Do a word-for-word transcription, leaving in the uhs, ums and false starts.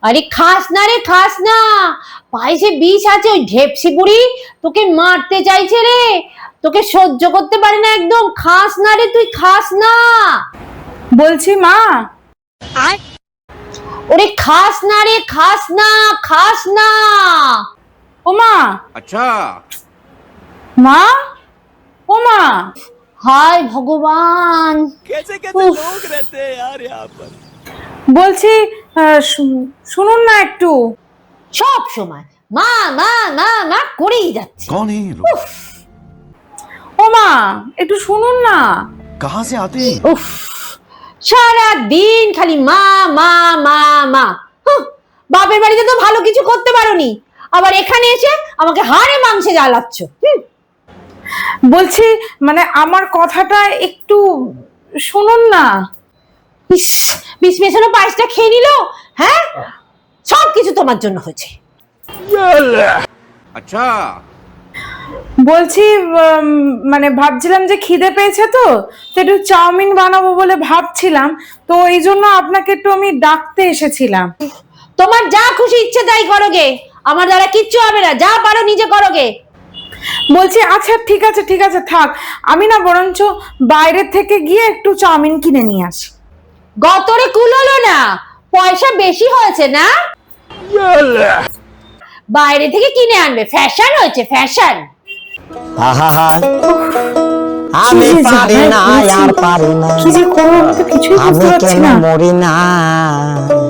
আরে খাস না রে, খাস না, পায়েসে বিষ আছে। ওই ঢেপসি বুড়ি তোকে মারতে চাইছে রে, তোকে সহ্য করতে পারে না একদম। খাস না রে, তুই খাস না বলছি মা। ওরে খাস না রে, খাস না, খাস না। ও মা। আচ্ছা মা, ও মা। হায় ভগবান, कैसे कैसे लोग रहते हैं यार यहाँ पर। বলছি শুনুন না একটু। সব সময় মা মা মা মা করেই যাচ্ছে। कौन है ये लोग? ও মা একটু শুনুন না। कहाँ से आते हैं? উফ, সারা দিন খালি মা মা মা মা। হুঁ, বাপের বাড়িতে তো ভালো কিছু করতে পারোনি, আবার এখানে এসে আমাকে হাড়ে মাংসে জ্বালাচ্ছ। হুঁ, বলছি মানে আমার কথাটা একটু শুনুন না। ইস, বিষ মেশানো পায়েসটা খেয়ে নিল। হ্যাঁ, সব কিছু তোমার জন্য হয়েছে। अच्छा বলছি উম, মানে ভাবছিলাম যে খিদে পেয়েছে তো তো একটু চাউমিন বানাবো বলে ভাবছিলাম, তো এই জন্য আপনাকে একটু আমি ডাকতে এসেছিলাম। তোমার যা খুশি ইচ্ছে তাই করোগে, আমার দ্বারা কিচ্ছু হবে না। যা পারো নিজে করোগে। বলছি আচ্ছা ঠিক আছে ঠিক আছে থাক, আমি না বরঞ্চ বাইরে থেকে গিয়ে একটু চাউমিন কিনে নিয়ে আসি। গতরে কুলোলো না, পয়সা বেশি হয়েছে না, বাইরে থেকে কিনে আনবে। ফ্যাশন হয়েছে, ফ্যাশন। আহা আমি কি যে পারি না জ্বালায় আর পারি না কি যে করবো আমি তো কিছুই বুঝতে আমি পারছি কেন না। মরি না